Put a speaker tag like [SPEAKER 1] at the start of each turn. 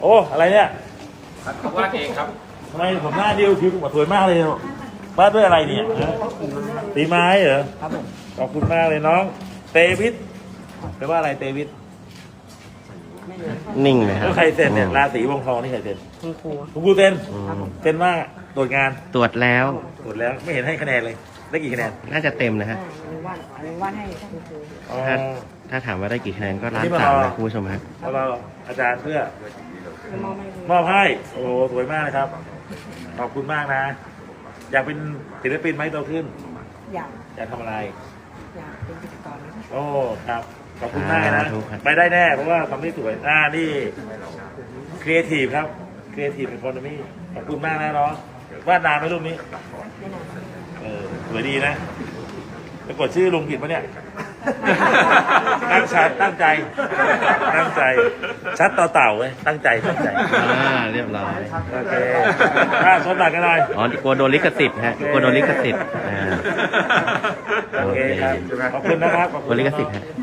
[SPEAKER 1] โอ้อะไรเนี่ย
[SPEAKER 2] เขาวาดเองครับ
[SPEAKER 1] ทำไมผมหน้าดิวคิ้วสวยมากเลยวาดด้วยอะไรเนี่ยฮะตีไม้เหรอ
[SPEAKER 3] ครับผม
[SPEAKER 1] ขอบคุณมากเลยน้อง เตวิทแปลว่าอะไรเตวิท
[SPEAKER 4] นิ่งเลยครั
[SPEAKER 1] แล้
[SPEAKER 4] บ
[SPEAKER 1] วใครเซ็นเนี่ยราศีวงทองนี่ใครเซ็น
[SPEAKER 3] คุณครู
[SPEAKER 1] คุณครูเซ็น
[SPEAKER 4] อืม
[SPEAKER 1] เซ็นว่าตรวจงาน
[SPEAKER 4] ตรวจแล้ว
[SPEAKER 1] ตรวจแล้วไม่เห็นให้คะแนนเลยได้กี่คะแนน
[SPEAKER 4] น่าจะเต็มนะฮะ
[SPEAKER 3] วาดให้คุณครู
[SPEAKER 1] อ๋อ
[SPEAKER 4] ถ้าถามว่าได้กี่คะแนนก็ล้าน
[SPEAKER 1] นี่มา
[SPEAKER 4] สาม
[SPEAKER 1] รอ
[SPEAKER 4] นะคุณผู้ชมฮะ
[SPEAKER 1] แล้วเราอาจารย์เพื่อ
[SPEAKER 3] มอบให้คุณ
[SPEAKER 1] มอบให้โอ้โหสวยมากนะครับ ขอบคุณมากนะ อยากเป็นศิลปินไหมโตขึ้น
[SPEAKER 3] อยาก
[SPEAKER 1] อยากทำอะไร
[SPEAKER 3] อยากเป็นพิธีกรนะ
[SPEAKER 1] โอ้ครับขอบคุณมากนะ
[SPEAKER 4] สาธุครับ
[SPEAKER 1] ไปได้แน่เพราะว่าทำได้สวยนี่ครีเอทีฟครับครีเอทีฟเป็นคนนี้ขอบคุณมากนะน้องวาดนานไหมรูปนี้
[SPEAKER 3] ไม่นาน
[SPEAKER 1] สวยดีนะไปกดชื่อลุงผิดปะเนี่ย ตั้งใจตั้งใจตั้งใจ ชัดต่อเต่าเว้ยตั้งใจตั้งใจ
[SPEAKER 4] เรียบร้อย
[SPEAKER 1] โอเคชนหนักกันหน่อย
[SPEAKER 4] อ๋อกลัวโดนลิขสิทธิ์ฮะกลัวโดนลิขสิทธิ์
[SPEAKER 1] โอเคครับขอบคุณนะครับขอบ
[SPEAKER 4] ก
[SPEAKER 1] คุ
[SPEAKER 4] ลัว
[SPEAKER 1] ณ
[SPEAKER 4] ลิข
[SPEAKER 1] น้อง
[SPEAKER 4] สิทธิ์ฮะ